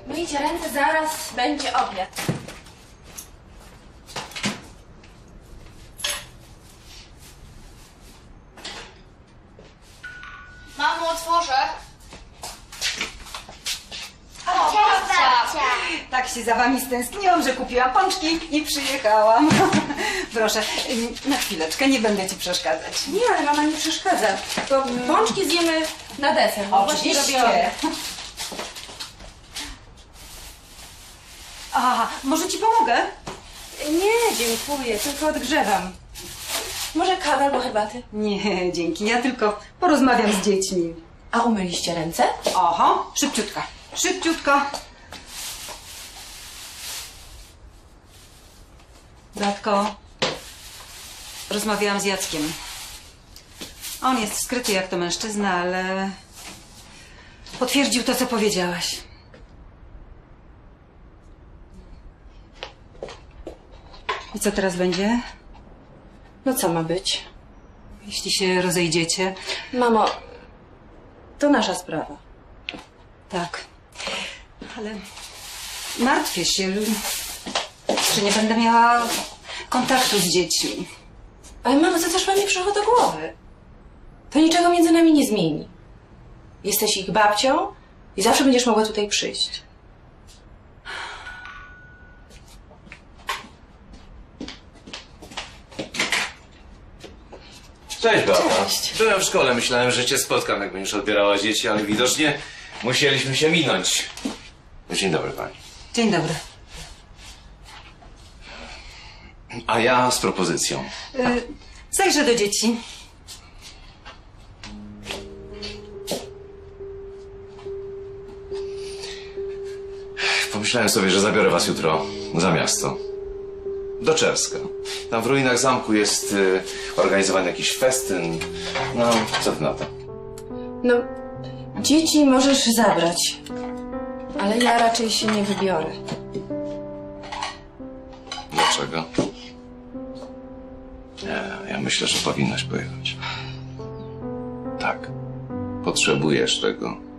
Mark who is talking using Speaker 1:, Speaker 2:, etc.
Speaker 1: Myjcie ręce, zaraz będzie obiad. Mamo, otworzę. O, babcia!
Speaker 2: Tak się za wami stęskniłam, że kupiłam pączki i przyjechałam. Proszę, na chwileczkę, nie będę ci przeszkadzać.
Speaker 1: Nie, ale mama nie przeszkadza. To pączki zjemy na deser. bo właśnie robię obiad.
Speaker 2: A, może ci pomogę?
Speaker 1: Nie, dziękuję, tylko odgrzewam. Może kawę albo herbaty?
Speaker 2: Nie, dzięki, ja tylko porozmawiam z dziećmi.
Speaker 1: A umyliście ręce?
Speaker 2: Oho, szybciutko, szybciutko. Zatko, rozmawiałam z Jackiem. On jest skryty jak to mężczyzna, ale potwierdził to, co powiedziałaś. I co teraz będzie?
Speaker 1: No co ma być?
Speaker 2: Jeśli się rozejdziecie?
Speaker 1: Mamo, to nasza sprawa.
Speaker 2: Tak, ale martwię się, że nie będę miała kontaktu z dziećmi.
Speaker 1: Ale mamo, co też wam nie przyszło do głowy? To niczego między nami nie zmieni. Jesteś ich babcią i zawsze będziesz mogła tutaj przyjść.
Speaker 3: Cześć, Beata.
Speaker 1: Cześć.
Speaker 3: Byłem w szkole, myślałem, że cię spotkam, jak będziesz odbierała dzieci, ale widocznie musieliśmy się minąć. Dzień dobry, pani.
Speaker 2: Dzień dobry.
Speaker 3: A ja z propozycją.
Speaker 2: Zajrzę do dzieci.
Speaker 3: Pomyślałem sobie, że zabiorę was jutro za miasto. Do Czerska. Tam w ruinach zamku jest organizowany jakiś festyn. No, co ty na to?
Speaker 1: No, dzieci możesz zabrać, ale ja raczej się nie wybiorę.
Speaker 3: Dlaczego? Nie, ja myślę, że powinnaś pojechać. Tak. Potrzebujesz tego.